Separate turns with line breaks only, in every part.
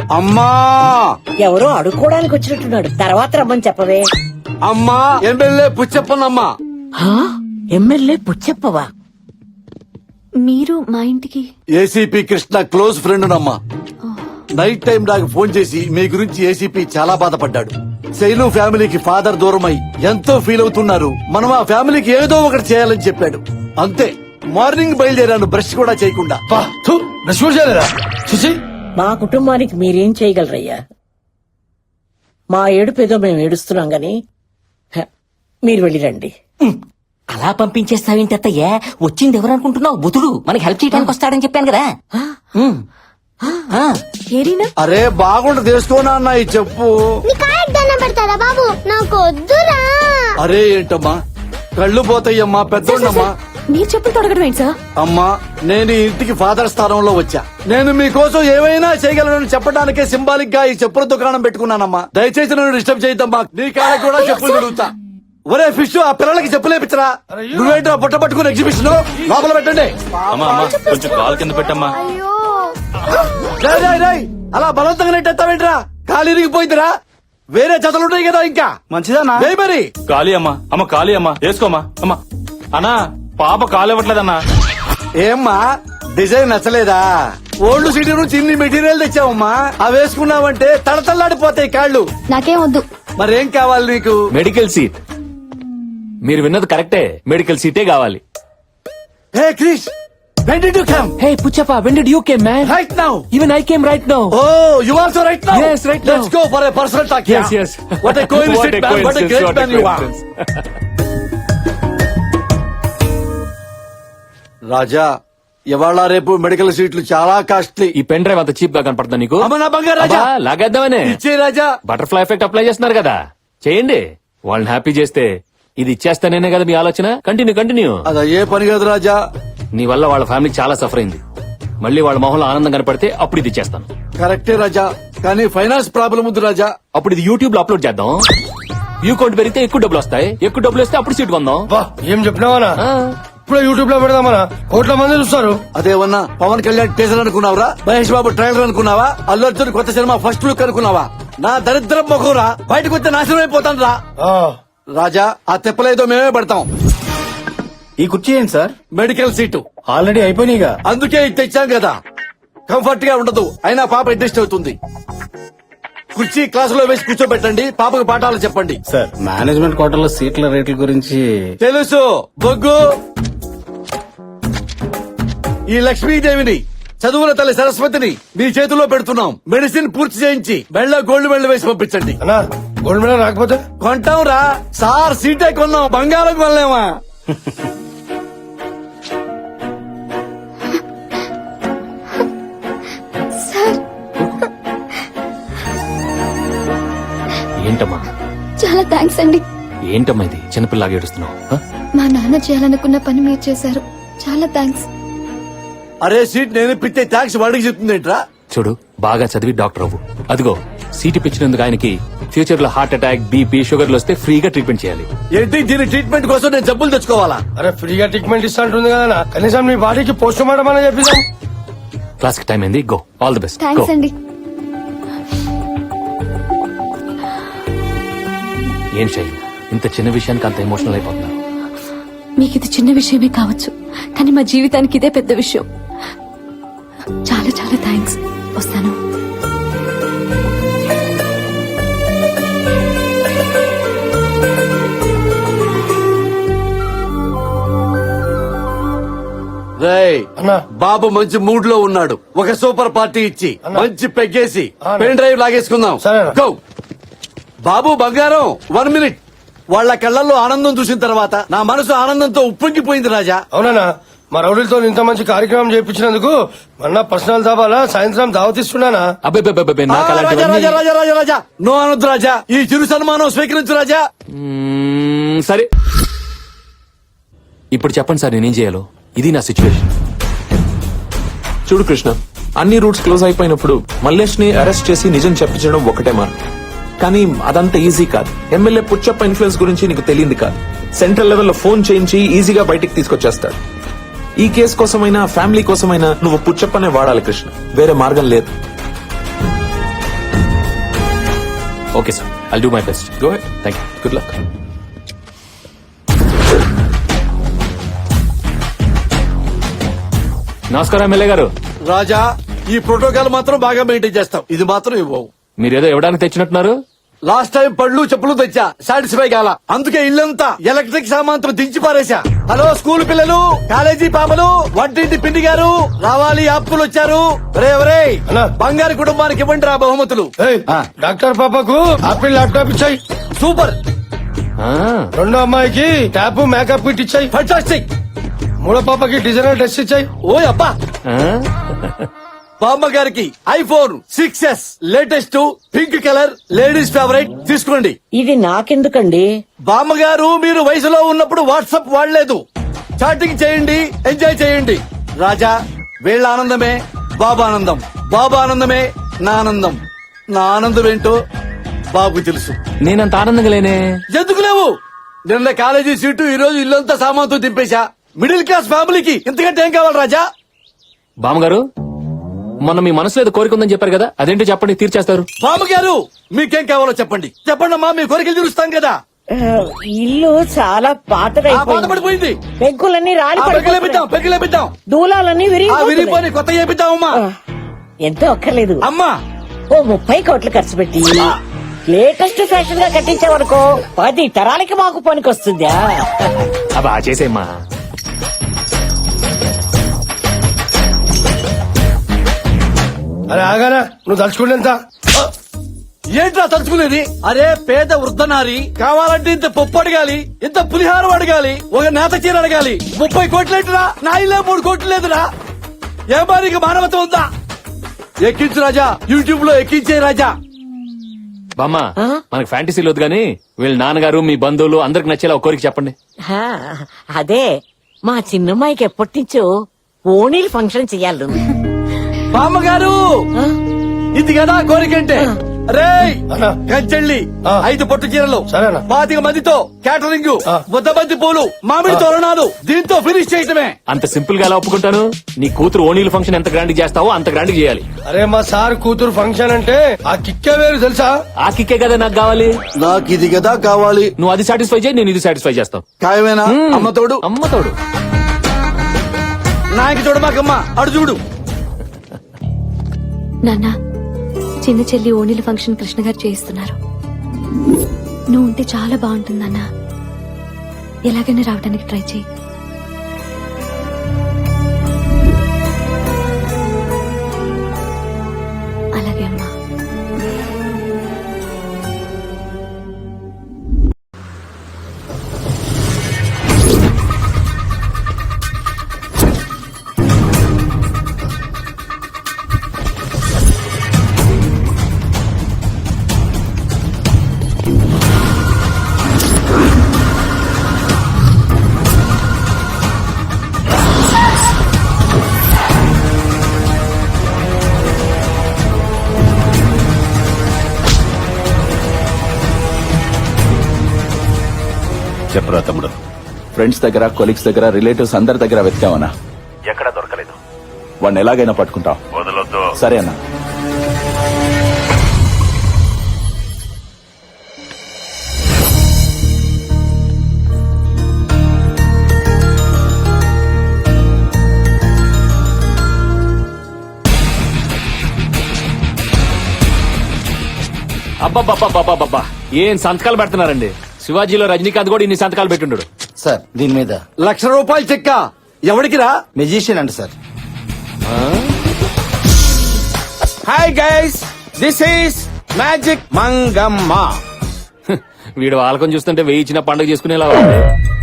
అమ్మా
ఎవరో అడుక్కోవడానికి వచ్చినట్టున్నాడు. తర్వాత రమ్మని చెప్పవే.
అమ్మా ఎమ్మెల్యే పుచ్చప్పనమ్మా.
ఎమ్మెల్యే పుచ్చప్పవా?
మీరు మా ఇంటికి?
ఏసీపీ కృష్ణ క్లోజ్ ఫ్రెండ్ నమ్మా. నైట్ టైం నాకు ఫోన్ చేసి మీ గురించి ఏసీపీ చాలా బాధపడ్డాడు. శైలు ఫ్యామిలీకి ఫాదర్ దూరమై ఎంతో ఫీల్ అవుతున్నారు. మనం ఆ ఫ్యామిలీకి ఏదో ఒకటి చేయాలని చెప్పాడు. అంతే, మార్నింగ్ బయలుదేరాను బ్రష్ కూడా చేయకుండా.
మా కుటుంబానికి మీరేం చేయగలరయ్యా? మా ఏడుపేదో మేము ఏడుస్తున్నాం గాని మీరు వెళ్ళిరండి.
అలా పంపించేస్తావేంటి అత్తయ్య? వచ్చింది ఎవరు అనుకుంటున్నావు? బుధుడు మనకి హెల్ప్ చేయడానికి వస్తాడని చెప్పాను కదా.
ఏరీనా?
అరే బాగుండు తెలుసుకోనా అన్న ఈ చెప్పు.
పెడతారా బాబు? నాకు వద్దురా.
అరే ఏంటమ్మా కళ్ళు పోతాయమ్మా, పెద్దోళ్ళమ్మా.
మీరు చెప్పులు తొడగడం ఏంటి సార్?
అమ్మా నేను ఈ ఇంటికి ఫాదర్ స్థానంలో వచ్చా. నేను మీకోసం ఏమైనా చేయగలను చెప్పడానికే సింబాలిక్ గా ఈ చెప్పుల దుకాణం పెట్టుకున్నానమ్మా. దయచేసి నన్ను డిస్టర్బ్ చేయద్దమ్మా. నీ కాళ్ళకి కూడా చెప్పులు తిరుగుతా. ఒరే ఫిష్, ఆ పిల్లలకి చెప్పులేపించరా. నువ్వేంట్రా బుట్ట పట్టుకుని ఎగ్జిబిషన్ లోపల పెట్టండి.
కొంచెం కాలు కింద పెట్టమ్మా.
అలా బలవంతంగా నెట్టేస్తావేంట్రా? కాలు ఇరిగిపోయిందిరా. వేరే చదువులుంటాయి కదా ఇంకా. మంచిదన్నా మరి.
ఖాళీ అమ్మా. అమ్మ ఖాళీ అమ్మా, వేసుకోమ్మా. అమ్మా అన్నా పాప కాలు ఇవ్వట్లేదన్నా.
ఏమ్మా డిజైన్ నచ్చలేదా? ఓల్డ్ సిటీ నుంచి ఇన్ని మెటీరియల్ తెచ్చావమ్మా. అవి వేసుకున్నావంటే తడతల్లాడిపోతాయి కాళ్ళు.
నాకేం వద్దు.
మరేం కావాలి నీకు?
Medical seat. మీరు విన్నది కరెక్టే, మెడికల్ సీటే కావాలి.
హే Krish, when did you come?
Hey Puchappa, when did you came, man?
Right now.
Even I came right now.
Oh, you also right now?
Yes, right now.
Let's go for a personal talk.
Yes, yes.
What a coincidence, man. What a great man you are. రాజా, ఇవాళ రేపు medical సీట్లు చాలా costly.
ఈ pen drive అంత cheap గా కనపడుతుందా నీకు?
అమ్మ నా బంగారు రాజా,
అబ్బా, లాగేద్దామనే.
ఇచ్చే రాజా.
బటర్ఫ్లై ఎఫెక్ట్ అప్లై చేస్తున్నారు కదా, చేయండి. వాళ్ళని హ్యాపీ చేస్తే ఇది ఇచ్చేస్తానేనే కదా మీ ఆలోచన. కంటిన్యూ.
అది ఏ పని కాదు రాజా.
నీ వల్ల వాళ్ళ ఫ్యామిలీ చాలా సఫర్ అయింది. మళ్ళీ వాళ్ళ మొహంలో ఆనందం కనపడితే అప్పుడు ఇది ఇచ్చేస్తాను.
కరెక్టే రాజా, కానీ ఫైనాన్స్ ప్రాబ్లం ఉంది రాజా.
అప్పుడు ఇది యూట్యూబ్ లో అప్లోడ్ చేద్దాం. వ్యూ కౌంట్ పెరిగితే ఎక్కువ డబ్బులు వస్తాయి. ఎక్కువ డబ్బులు వస్తే అప్పుడు సీట్ కొందాం.
ఏం చెప్పినావా? ఇప్పుడు యూట్యూబ్ లో పెడదామనా? కోట్ల మంది చూస్తారు.
అదేమన్నా పవన్ కళ్యాణ్ టీజర్ అనుకున్నావురా? మహేష్ బాబు ట్రైలర్ అనుకున్నావా? అల్లు అర్జున్ కొత్త సినిమా ఫస్ట్ లుక్ అనుకున్నావా? నా దరిద్రం మొఖంరా, బయటకు వస్తే నాశనం అయిపోతాను రా. రాజా, ఆ తెప్పలేదో మేమే పడతాం.
ఈ కుర్చీ ఏంటి సార్?
మెడికల్ సీటు
ఆల్రెడీ అయిపోయినాయిగా.
అందుకే ఇది తెచ్చాం కదా. కంఫర్ట్ గా ఉండదు, అయినా పాప అడ్జస్ట్ అవుతుంది. కుర్చీ క్లాసులో వేసి కూర్చోబెట్టండి, పాపకు పాఠాలు చెప్పండి.
సార్, మేనేజ్మెంట్ కోటాలో సీట్ల రేట్ల గురించి
తెలుసు బొగ్గు. ఈ లక్ష్మీదేవిని, చదువుల తల్లి సరస్వతిని మీ చేతిలో పెడుతున్నాం. మెడిసిన్ పూర్తి చేయించి మెళ్ళ గోల్డ్ మెడల్ వేసి పంపించండి.
అన్నా, గోల్డ్ మెడల్ రాకపోతే
కొంటాం రా సార్. సీటే కొన్నాం, బంగారం కొనలేమా?
ఏంటమ్మా?
చాలా థ్యాంక్స్ అండి.
ఏంటమ్మా ఇది చిన్నపిల్లగా ఏడుస్తున్నావు?
మా నాన్న చేయాలనుకున్న పని మీరు చేశారు. చాలా థ్యాంక్స్.
అరే సీట్ నేను ఇప్పితే ట్యాక్స్ వాడికి చెప్తుందేంట్రా?
చూడు, బాగా చదివి డాక్టర్ అవ్వు. అదిగో సీటు పిచ్చినందుకు ఆయనకి ఫ్యూచర్ లో హార్ట్ అటాక్, బీపీ, షుగర్లు వస్తే ఫ్రీగా ట్రీట్మెంట్ చేయాలి.
ఏంటి దీని ట్రీట్మెంట్ కోసం నేను జబ్బులు తెచ్చుకోవాలా?
అరే ఫ్రీగా ట్రీట్మెంట్ ఇస్తా ఉంటుంది కదా, కనీసం మీ బాడీకి పోస్ట్ మార్టం అని చెప్పిస్తాం.
క్లాస్ కి టైం అయింది, go. All the best.
Thanks అండి.
ఏం శైలు, ఇంత చిన్న విషయానికి అంత ఎమోషనల్ అయిపోతున్నారు?
మీకు ఇది చిన్న విషయమే కావచ్చు, కానీ మా జీవితానికి ఇదే పెద్ద విషయం. చాలా చాలా థ్యాంక్స్. వస్తాను.
బాబు మంచి మూడ్ లో ఉన్నాడు. ఒక సూపర్ పార్టీ ఇచ్చి మంచి పెగ్గేసి పెన్ డ్రైవ్ లాగేసుకుందాం. గో బాబు బంగారం. 1 minute. వాళ్ళ కళ్ళల్లో ఆనందం చూసిన తర్వాత నా మనసు ఆనందంతో ఉప్పొంగిపోయింది రాజా.
అవునా? మా రౌడీలతో ఇంత మంచి కార్యక్రమం చేయించినందుకు మొన్న పర్సనల్ దాబాలా సాయంత్రం దావతిస్తున్నానా?
రాజా నో అనొద్దు రాజా. ఈ చిరు సన్మానం స్వీకరించు రాజా.
సరే, ఇప్పుడు చెప్పండి సార్, నేనేం చేయాలో? ఇది నా సిచ్యువేషన్.
చూడు కృష్ణ, అన్ని రూట్స్ క్లోజ్ అయిపోయినప్పుడు మల్లేష్ ని అరెస్ట్ చేసి నిజం చెప్పించడం ఒకటే మార్గం. కానీ అదంత ఈజీ కాదు. ఎమ్మెల్యే పుచ్చప్ప ఇన్ఫ్లుయెన్స్ గురించి నీకు తెలియంది కాదు. సెంట్రల్ లెవెల్లో ఫోన్ చేయించి ఈజీగా బయటికి తీసుకొచ్చేస్తాడు. ఈ కేసు కోసమైనా ఫ్యామిలీ కోసమైనా నువ్వు పుచ్చప్పనే వాడాలి కృష్ణ, వేరే మార్గం లేదు.
Okay sir, I'll do my best.
Go head.
Thank you.
Good luck.
నమస్కారం ఎమ్మెల్యే గారు.
రాజా, ఈ ప్రోటోకాల్ మాత్రం బాగా మెయింటైన్ చేస్తాం. ఇది మాత్రం ఇవ్వవు.
మీరేదో ఇవ్వడానికి తెచ్చినట్టున్నారు.
లాస్ట్ టైం పళ్ళు చెప్పులు తెచ్చా, సాటిస్ఫై కాల. అందుకే ఇల్లంతా ఎలక్ట్రిక్ సామాన్తో దించి పారేశా. హలో స్కూల్ పిల్లలు, కాలేజీ పాపలు, వంటింటి పిండి గారు, రావాలి అప్పులు వచ్చారు. రే
అన్నా.
బంగారు కుటుంబానికి ఇవ్వండి రా బహుమతులు.
ఏయ్, డాక్టర్ పాపకు ఆపిల్ ల్యాప్టాప్ ఇచ్చాయి.
సూపర్,
ఆ,
రెండో అమ్మాయికి ట్యాప్ మేకప్ కిట్ ఇచ్చాయి.
ఫంటాస్టిక్.
మూడో పాపకి డిజైనర్ డ్రెస్ ఇచ్చాయి.
ఓయ్ అబ్బా.
ఆ?
బామ్మ గారికి iPhone 6s latest pink colour ladies favourite తీసుకోండి.
ఇది నాకెందుకండి?
బామ్మగారు మీరు వయసులో ఉన్నప్పుడు వాట్సాప్ వాడలేదు. చాటింగ్ చేయండి, ఎంజాయ్ చేయండి. రాజా, వీళ్ళ ఆనందమే బాబా ఆనందం, బాబా ఆనందమే నా ఆనందం. నా ఆనందం ఏంటో బాబు తెలుసు.
నేనంత ఆనందంగా లేనే.
ఎందుకు లేవు? నిన్న కాలేజీ సీటు, ఈ రోజు ఇల్లంతా సామాన్తో దింపేశా. మిడిల్ క్లాస్ ఫ్యామిలీకి ఇంతకంటే ఏం కావాలి రాజా?
బామ్మగారు, మొన్న మీ మనసులో ఏదో కోరిక ఉందని చెప్పారు కదా, అదేంటో చెప్పండి, తీర్చేస్తారు.
బామ్మగారు మీకేం కావాలో చెప్పండి. చెప్పండి అమ్మా, మీ కోరికలు తీరుస్తాం కదా.
ఆ, ఇల్లు చాలా పాతగా
ఆ పాత పడిపోయింది.
పెంకులన్నీ రాలి పడిపోతున్నాయి.
పెగిలేపిద్దాం.
దూలాలన్నీ
విరిగిపోయి కొత్త చేపిద్దామమ్మా.
ఎంతో అక్కర్లేదు.
అమ్మా,
ఓ 30 కోట్లు ఖర్చు పెట్టి లేటెస్ట్ ఫ్యాషన్ గా కట్టించావనుకో 10 తరాలకి మాకు పనికొస్తుందా?
అబ్బా చేసేమ్మా.
అరే ఆగానా, నువ్వు తలుచుకుంటేంత
ఏంట్రా తలుచుకునేది? అరే పేద వృద్ధనారి కావాలంటే ఇంత పప్పు అడగాలి, ఇంత పులిహారం అడగాలి, ఒక నేత చీర అడగాలి. 30 కోట్లేంటిరా? నా ఇల్లే 3 కోట్లు లేదురా. ఏ బారికి మానవత ఉందా? ఎక్కించు రాజా, యూట్యూబ్ లో ఎక్కించే రాజా.
బామ్మ, మనకు ఫ్యాంటసీలు వద్దు గానీ వీళ్ళ నాన్నగారు, మీ బంధువులు అందరికి నచ్చేలా ఒక కోరిక చెప్పండి.
హా, అదే మా చిన్నమ్మాయికి ఎప్పటి నుంచో ఓణీలు ఫంక్షన్ చెయ్యాలి.
బామ్మగారు, ఇది కదా కోరికంటే. రే
అన్నా.
కంచెళ్ళి
ఆ.
5 పట్టు చీరలు,
సరేనా.
25 మందితో క్యాటరింగ్,
ఆ.
100 బంతి పూలు, మామిడి తోరణాలు, దీంతో ఫినిష్ చేయటమే.
అంత సింపుల్ గా ఎలా ఒప్పుకుంటాను? నీ కూతురు ఓణీల ఫంక్షన్ ఎంత గ్రాండ్ చేస్తావో అంత గ్రాండ్ చేయాలి.
అరే మా సార్ కూతురు ఫంక్షన్ అంటే ఆ కిక్కే వేరు తెలుసా?
ఆ కిక్కే కదా నాకు కావాలి.
నాకు ఇది కదా కావాలి.
నువ్వు అది సాటిస్ఫై చేయి, నేను ఇది సాటిస్ఫై చేస్తాను.
ఖాయమేనా? అమ్మ తోడు,
అమ్మ తోడు.
నాయకి చూడమాకమ్మ, అడు చూడు.
నాన్న, చిన్న చెల్లి ఓణీల ఫంక్షన్ కృష్ణ గారు చేయిస్తున్నారు. నువ్వు ఉంటే చాలా బాగుంటుందన్నా. ఎలాగైనా రావడానికి ట్రై చేయి. అలాగే అమ్మా.
చెప్పరా తమ్ముడు.
ఫ్రెండ్స్ దగ్గర, కొలీగ్స్ దగ్గర, రిలేటివ్స్ అందరి దగ్గర వెతికావనా?
ఎక్కడ దొరకలేదు.
వాడిని ఎలాగైనా పట్టుకుంటాం.
వదలొద్దు.
సరే అన్నా.
అబ్బబ్బబ్బబ్బబ్బబ్బా, ఏం సంతకాలు పెడుతున్నారండి. శివాజీలో రజనీకాంత్ కూడా ఇన్ని సంతకాలు పెట్టుండడు.
సార్ దీని మీద
₹1,00,000 చెక్క ఎవరికి రా?
మెజిషియన్ అంట sir.
Hi guys, this is magic Mangamma.
వీడు వాళ్ళకం చూస్తుంటే వెయ్యి ఇచ్చిన పండుగ చేసుకునేలా ఉంది.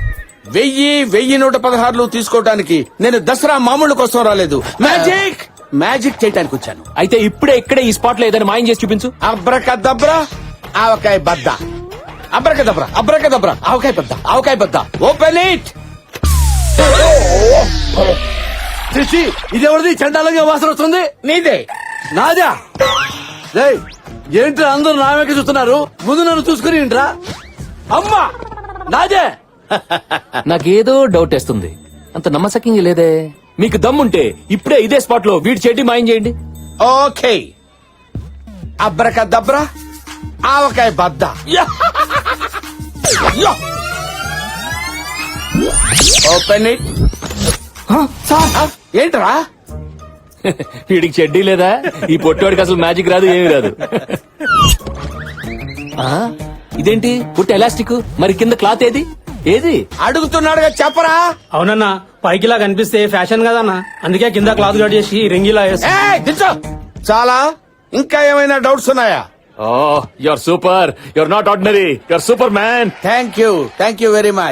1000 తీసుకోవడానికి నేను దసరా మామూలు కోసం రాలేదు. మ్యాజిక్ చేయడానికి వచ్చాను.
అయితే ఇప్పుడే ఇక్కడే ఈ స్పాట్ లో ఏదైనా మాయం చేసి చూపించు.
అబ్రకదబ్రా ఆవకాయ బద్ద. అబ్రకదబ్రా అబ్రకదబ్రా ఆవకాయ బద్ద, ఆవకాయ బద్ద. Open it.
చిచ్చి, ఇదెవరిది? చండాలంగా వాసన వస్తుంది.
నీదే.
నాదా? రేయ్, ఏంట్రా అందరూ నా వెనక చూస్తున్నారు? ముందు నన్ను చూసుకుని ఏంట్రా? అమ్మా, నాదే.
నాకేదో డౌట్ వేస్తుంది. అంత నమ్మసక్యంగా లేదే. మీకు దమ్ముంటే ఇప్పుడే ఇదే స్పాట్ లో వీడి చెడ్డి మాయం చేయండి.
ఓకే. అబ్రకదబ్రా ఆవకాయ బద్ద ఓపెన్ ఇట్. ఏంట్రా
వీడికి చెడ్డీ లేదా? ఈ పొట్టోడికి అసలు మ్యాజిక్ రాదు, ఏమీ రాదు. ఆ, ఇదేంటి పుట్టి ఎలాస్టిక్, మరి కింద క్లాత్ ఏది? ఏది
అడుగుతున్నాడుగా చెప్పరా.
అవునన్నా, పైకిలా కనిపిస్తే ఫ్యాషన్ కదన్నా, అందుకే కింద క్లాత్ కట్ చేసి రింగిలా వేసి.
ఏయ్, దించు. చాలా ఇంకా ఏమైనా డౌట్స్ ఉన్నాయా?
Oh, you are super, you are not ordinary, you are superman.
Thank you very much.